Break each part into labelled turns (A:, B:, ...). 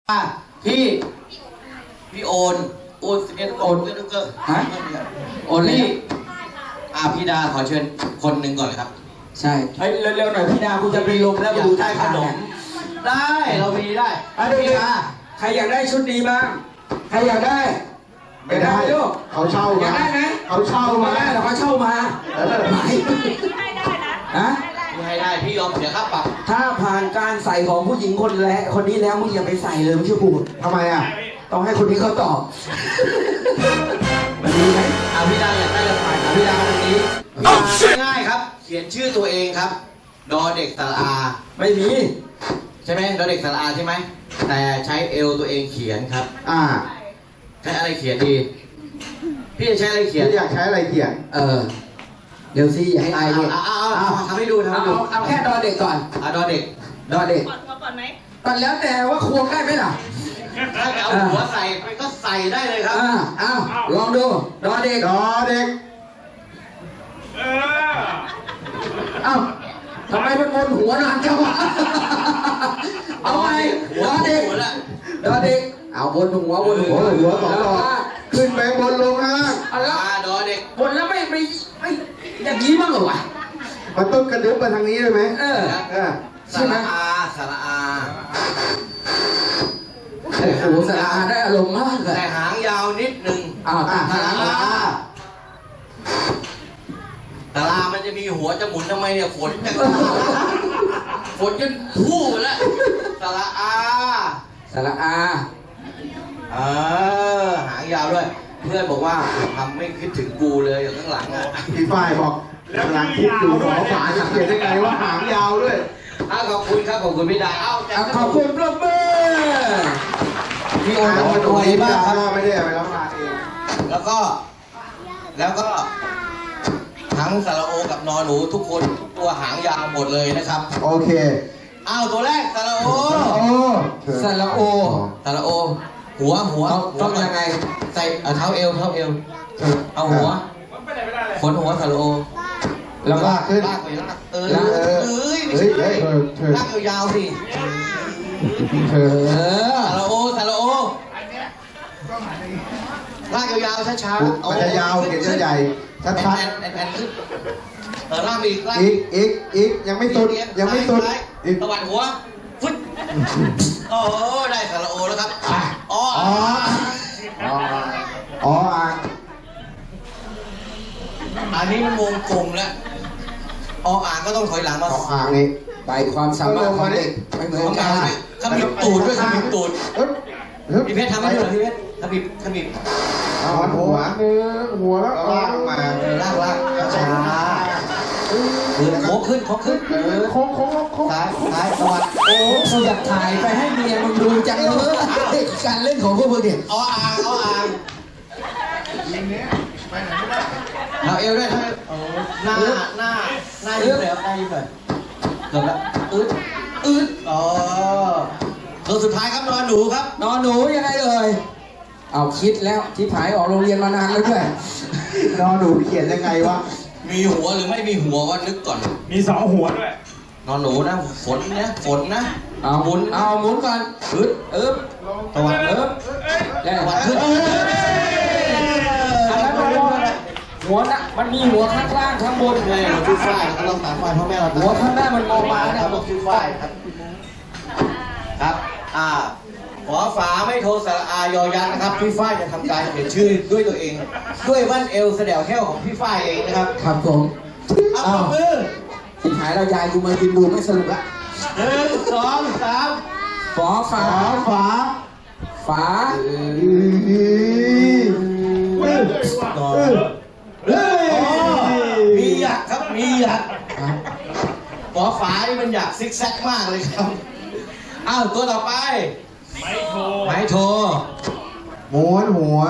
A: พี่พี่โอน11โอนก็
B: ฮะโอนเลย
A: พี่ดาขอเชิญคนหนึ่งก่อนเลยครับ
B: ใช่เฮ้ยเร็วๆหน่อยพี่ดาคุณจะเป็นลมแล้วมาดูท่าขนม
A: ได้เรามีได้
B: พี่ดาใครอยากได้ชุดนี้บ้างใครอยากได้ไม่ได้ลูก
C: เขาเช่า
B: อยากได้ไหม
C: เขาเช่ามา
B: ได้เขาเช่ามา
D: ให้ได้นะ
B: ฮะ
A: ให้ได้พี่ยอมเสียค่าปรับ
B: ถ้าผ่านการใส่ของผู้หญิงคนนี้แล้วมึงอย่าไปใส่เลยไม่ใช่กู
C: ทำไมอ่ะ
B: ต้องให้คนนี้เขาตอบมันดีไหม
A: พี่ดาอยากได้ละผ่านพี่ดาวันนี้ง่ายครับเขียนชื่อตัวเองครับดอเด็กสระอา
B: ไม่มี
A: ใช่ไหมดอเด็กสระอาใช่ไหมแต่ใช้เอลตัวเองเขียนครับใช้อะไรเขียนดีพี่จะใช้อะไรเขียน
C: อยากใช้อะไรเขียน
B: เดี๋ยวสิให้ไอเนี่ย
A: ทำให้ดู
B: เอาแค่ดอเด็กก่อน
A: ดอเด็ก
D: ก่อนไหม
B: ก่อนแล้วแต่ว่าควงได้ไหมล่ะ
A: ถ้าจะเอาหัวใส่ไปก็ใส่ได้เลยครับ
B: ลองดูดอเด็กทำไมมันวนหัวนานจังวะเอาไงดอเด็กเอาวนหัว
C: สองดอกขึ้นไปบนลงล่าง
A: ดอเด็ก
B: วนแล้วไม่อย่างนี้บ้างเหรอวะ
C: มันต้องกระดึ๊บมาทางนี้เลยไหม
A: สระอาโ
B: อ้โหสระอาได้อารมณ์มากเลย
A: แต่หางยาวนิดนึง
B: สระอา
A: ตารามันจะมีหัวจะหมุนทำไมเนี่ยฝนจนพู่แล้วสระอาหางยาวด้วยเพื่อนบอกว่าทำไม่คิดถึงกูเลยอยู่ข้างหลัง
C: พี่ฝ้ายบอกกำลังคิดอยู่หมอฝาจะเขียนได้ไงว่าหางยาวด้วย
A: ขอบคุณครับขอบคุณพี่ดา
B: ขอบคุณปรบมือ
A: พี่โอนมาตัวนี้บ้างครับ
C: ไม่ได้ไปรับมาเอง
A: แล้วก็ทั้งสระโอกับนอหนูทุกคนตัวหางยาวหมดเลยนะครับ
C: โอเค
A: ตัวแรกสระโอหัว
B: ต้องยังไง
A: ใส่เท้าเอวเอาหัวขนหัวสระโอ
C: แล้วลากขึ้น
A: ลากไม่ใช่ลากยาวสิสระโอลากยาวช้า
C: ๆมันจะยาวเขียนจะใหญ่ชัด
A: แอนขึ้นลาก
C: อีกยังไม่สุด
A: ตะวันหัวฟึดได้สระโอแล้วครับอันนี้มันวงกลมแล้วอ่างก็ต้องถอยหลังมา
C: อ่างนี่
B: ไปความสามารถของเด็กไม่เหมือนกัน
A: ขมิบตูดด้วยขมิบตูดพี่เพชรทำให้ดูหน่อยพี่เพชรขมิบ
C: หัวแล้วลากมา
A: ลากช้าโค้งขึ้น
C: โค้ง
A: ซ้ายสวัสดี
B: กูอยากถ่ายไปให้เมียมึงดูจังเลยการเล่นของพวกมึงเนี่ย
A: อ่างเอาเอวด้วยหน้ายิ้มเลยเกือบแล้วตัวสุดท้ายครับนอนหนูครับ
B: นอนหนูยังไงเลยเอาคิดแล้วที่ผายออกโรงเรียนมานานแล้วด้วย
C: นอนหนูเขียนยังไงวะ
A: มีหัวหรือไม่มีหัวก็นึกก่อน
E: มี2 หัวด้วย
A: นอนหนูนะฝนนะ
B: หมุนก่อนตะวันตะวันขึ้นหัวนะมันมีหัวข้างล่างข้างบน
A: เลยเราชื่อฝ้ายเราต้องตามฝ้ายพ่อแม่เรา
B: หัวข้างหน้ามันมองมา
A: เนี่ยเราชื่อฝ้ายครับขอฝาไม่โทรสระอายอยักษ์นะครับพี่ฝ้ายจะทำการเขียนชื่อด้วยตัวเองด้วยวัดเอลแสดงแค่ของพี่ฝ้ายเองนะครับ
B: ครับผม
A: มือ
B: ที่หายเรายายกูมากินดูไม่สนุกละ
A: 1 2 3
B: ฝา
A: มีหยักครับมีหยักฝานี่มันหยักซิกแซกมากเลยครับตัวต่อไปไม้โท
C: ม้วนหัว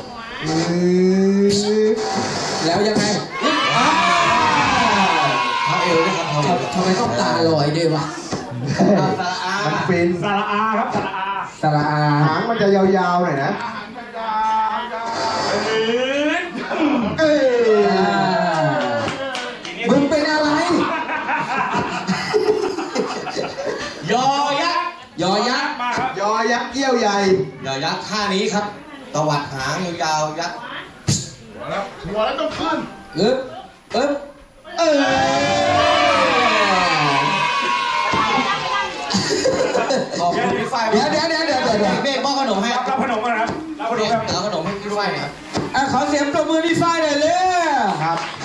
B: แล้วยังไง
A: เขาเอวด้วยครับ
B: ทำไมต้องตาลอยด้วยวะ
C: มันฟิน
E: สระอาครับ
B: สระอา
C: หางมันจะยาวๆหน่อยนะ
B: มึงเป็นอะไร
A: ยอยักษ์
B: ยอยักษ์
C: ดเกี้ยวใหญ่
A: อย่ายัดท่านี้ครับตวัดหางยาวๆยัด
C: หัวแล้วต้องขึ้น
B: อึ๊บอึ๊บเออ
A: ขอบคุณพี่ฝ้าย
B: เดี๋ยว
A: เมฆมอบขนมให้
E: รับขนมก่อนนะครับรับขนมครับ
A: เอาขนมให้พี่ฝ้ายหนะครับ
B: ขอเสียงปรบมือพี่ฝ้ายหน่อยเลย
C: ครับ
A: ค